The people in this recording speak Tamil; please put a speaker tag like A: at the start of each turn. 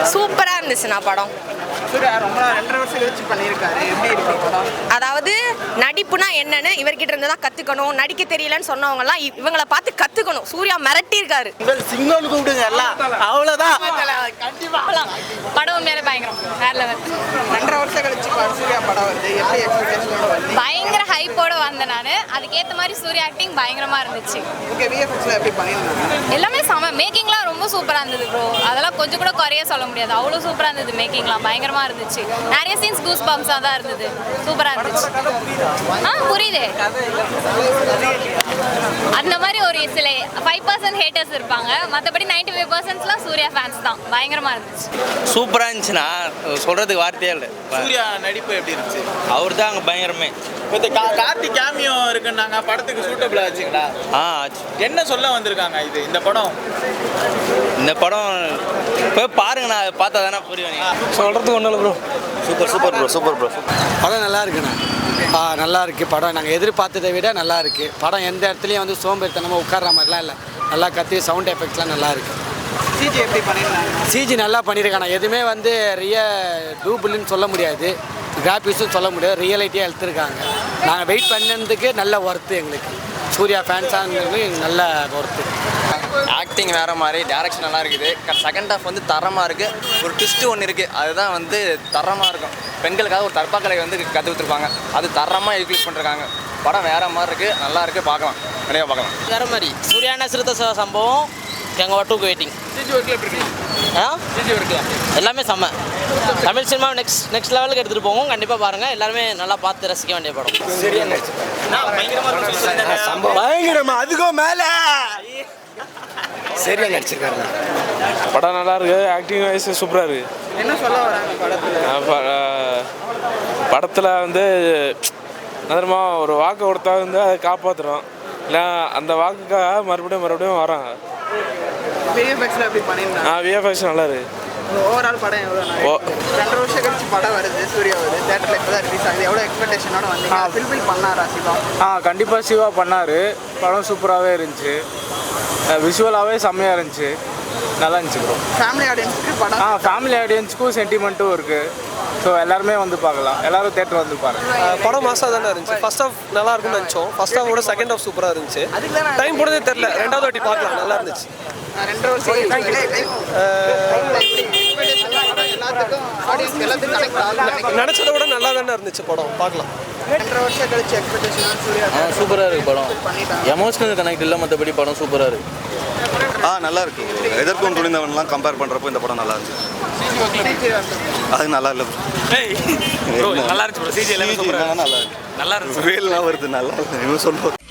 A: சூப்பரா இருந்துச்சுண்ணா படம்.
B: சூர்யா ரொம்ப 2.5 வருஷம் கழிச்சு பண்ணியிருக்காரு. எப்படி இருக்கு படம்?
A: அதாவது நடிப்புனா என்னன்னு இவர்கிட்ட இருந்து தான் கத்துக்கணும். நடிக்க தெரியலன்னு சொன்னவங்கலாம் இவங்களை பார்த்து கத்துக்கணும். சூர்யா மிரட்டி இருக்காரு.
B: சிங்கம்னு கூப்பிடுங்க எல்லாம், அவ்வளோதான்.
A: கண்டிப்பா படம் உண்மையாலே பயங்கரம், வேற லெவல்.
B: 2.5 வருஷம் கழிச்சு சூர்யா படம் வருது. எப்படி எக்ஸ்பெக்டேஷனோட வருது?
A: பயங்கர ஹைப்போட வந்தேன் நான். அதுக்கேற்ற மாதிரி சூர்யா ஆக்டிங் பயங்கரமா இருந்துச்சு.
B: ஓகே, விஎஃப்எக்ஸ்ல எப்படி பண்ணியிருந்தாங்க?
A: எல்லாமே செம. மேக்கிங்லாம் ரொம்ப சூப்பரா இருந்தது ப்ரோ. அதெல்லாம் கொஞ்சம் கூட குறைய சொல்ல முடியாது. அவ்வளோ சூப்பரா இருந்தது. மேக்கிங்லாம் பயங்கரமா இருந்துச்சு. நிறைய சீன்ஸ் கூஸ் பம்ப்ஸாக தான் இருந்தது. சூப்பரா இருந்துச்சு. புரியுது. அந்த மாதிரி ஒரு சில 5% ஹேட்டர்ஸ் இருப்பாங்க. மற்றபடி 95%லாம் சூர்யா ஃபேன்ஸ் தான். பயங்கரமா இருந்துச்சு.
C: சூப்பராக இருந்துச்சுன்னா சொல்கிறதுக்கு வார்த்தையே இல்லை.
D: சூர்யா நடிப்பு எப்படி இருந்துச்சு?
C: அவர் தான் அங்கே பயங்கரமே.
D: இப்போ கார்த்திக் கேமியோ இருக்குன்னாங்க, படத்துக்கு சூட்டபிள் ஆச்சுங்களா?
C: ஆச்சு.
D: என்ன சொல்ல வந்திருக்காங்க இந்த படம்?
C: இந்த படம் போய் பாருங்கண்ணா, பார்த்தா தானே புரியும்.
E: சொல்கிறதுக்கு ஒன்றும் இல்லை ப்ரோ.
C: Super bro.
E: படம் நல்லா இருக்குண்ணா. நல்லா இருக்குது படம். நாங்கள் எதிர்பார்த்ததை விட நல்லா இருக்குது படம். எந்த இடத்துலையும் வந்து சோம்பேறித்தனமாக உட்கார்ற மாதிரிலாம் இல்லை. நல்லா கத்தி சவுண்ட் எஃபெக்ட்ஸ்லாம் நல்லா இருக்குது.
B: சிஜி எப்படி பண்ணியிருந்தாங்க?
E: சிஜி நல்லா பண்ணியிருக்காங்க. எதுவுமே வந்து டூபிள்னு சொல்ல முடியாது, கிராஃபிக்ஸும் சொல்ல முடியாது. ரியாலிட்டியாக எடுத்துருக்காங்க. நாங்கள் வெயிட் பண்ணதுக்கு நல்ல ஒர்த்து. எங்களுக்கு சூர்யா ஃபேன்ஸாங்கிறது நல்ல ஒர்த்து.
F: ஆக்டிங் வேறு மாதிரி, டேரக்ஷன் நல்லா இருக்குது. செகண்ட் ஹாஃப் வந்து தரமாக இருக்குது. ஒரு ட்விஸ்ட்டு ஒன்று இருக்குது, அதுதான் வந்து தரமாக இருக்கும். பெண்களுக்காக ஒரு தற்பாக்கலை வந்து கற்று கொடுத்துருப்பாங்க, அது தரமாக யூட்டிலைஸ் பண்ணிருக்காங்க. படம் வேறு மாதிரி இருக்குது, நல்லா இருக்குது, பார்க்கலாம், நிறையா பார்க்கலாம்.
G: வேறு மாதிரி சூர்யான சிறுத்த சம்பவம் எங்கள் ஒட்டுக்கு வெயிட்டிங்.
D: சிஜி ஒர்க்கில் எப்படி இருக்கு? சிஜி ஒர்க்கில்
G: எல்லாமே செம்ம. தமிழ் சினிமா நெக்ஸ்ட் லெவலுக்கு எடுத்துகிட்டு போவோம். கண்டிப்பாக பாருங்கள். எல்லாருமே நல்லா பார்த்து ரசிக்க வேண்டிய படம்.
E: பயங்கரமா அதுக்கும் மேலே சரியா நடிச்சிருக்காருண்ணா.
H: படம் நல்லா இருக்கு. ஆக்டிங் வைஸ் சூப்பராக இருக்கு.
B: என்ன சொல்ல வராங்க
H: படத்தில் வந்து நதரமா ஒரு வாக்கு கொடுத்தா வந்து அதை காப்பாற்றுறோம். இல்லை அந்த வாக்குக்காக மறுபடியும் வராங்க.
B: விஎஃப்எக்ஸ்ல எப்படி பண்ணியிருந்தாங்க?
H: விஎஃப்எக்ஸ் நல்லா இருக்கு.
B: ஓவரால் படம் எவ்வளோ? 2.5 வருஷம் கழிச்சு படம் வருது. சூர்யா வருது. தேட்டரில் இப்போ தான் ரிலீஸ் ஆகுது. எவ்வளோ எக்ஸ்பெக்டேஷனோட வந்தீங்க? ஃபில்பில் பண்ணாரா சிவா?
H: கண்டிப்பாக சிவா பண்ணார். படம் சூப்பராகவே இருந்துச்சு. விஷுவலாகவே செம்மையாக இருந்துச்சு. நல்லா இருந்துச்சு ப்ரோ.
B: ஃபேமிலி ஆடியன்ஸுக்கு படம்?
H: ஃபேமிலி ஆடியன்ஸுக்கும் சென்டிமெண்ட்டும் இருக்குது. ஸோ எல்லாருமே வந்து பார்க்கலாம். எல்லாரும் தேட்டர் வந்து பாருங்க.
I: படம் மாசாக தானே இருந்துச்சு. ஃபர்ஸ்ட் ஹாஃப் நல்லா இருக்கும்னு நினச்சோம். ஃபர்ஸ்ட் ஹாஃபோட செகண்ட் ஹாஃப் சூப்பராக இருந்துச்சு. டைம் போனதே தெரில. 2வது வாட்டி பார்க்கலாம், நல்லா இருந்துச்சு.
B: 2.5 வருஷம்
I: நினச்சதை விட நல்லா தானே இருந்துச்சு படம், பார்க்கலாம்.
B: 2.5 வருஷம் கழிச்சு எக்ஸ்பெக்டேஷன் சூர்யா
C: சூப்பராக இருக்குது படம். எமோஷனல் கனெக்ட் இல்லை, மற்றபடி படம் சூப்பராக இருக்குது.
J: நல்லா இருக்கு. எதற்கும் துணிந்தவன்லாம் கம்பேர் பண்ணுறப்போ இந்த படம் நல்லா இருந்துச்சு. அது நல்லா இல்லை
D: நல்லா இருந்துச்சு. சிஜி எல்லாமே
J: நல்லா இருக்கு.
D: நல்லா இருக்கு.
J: வேல்லாம் வருது, நல்லா இருக்கு. சொல்லுவோம்.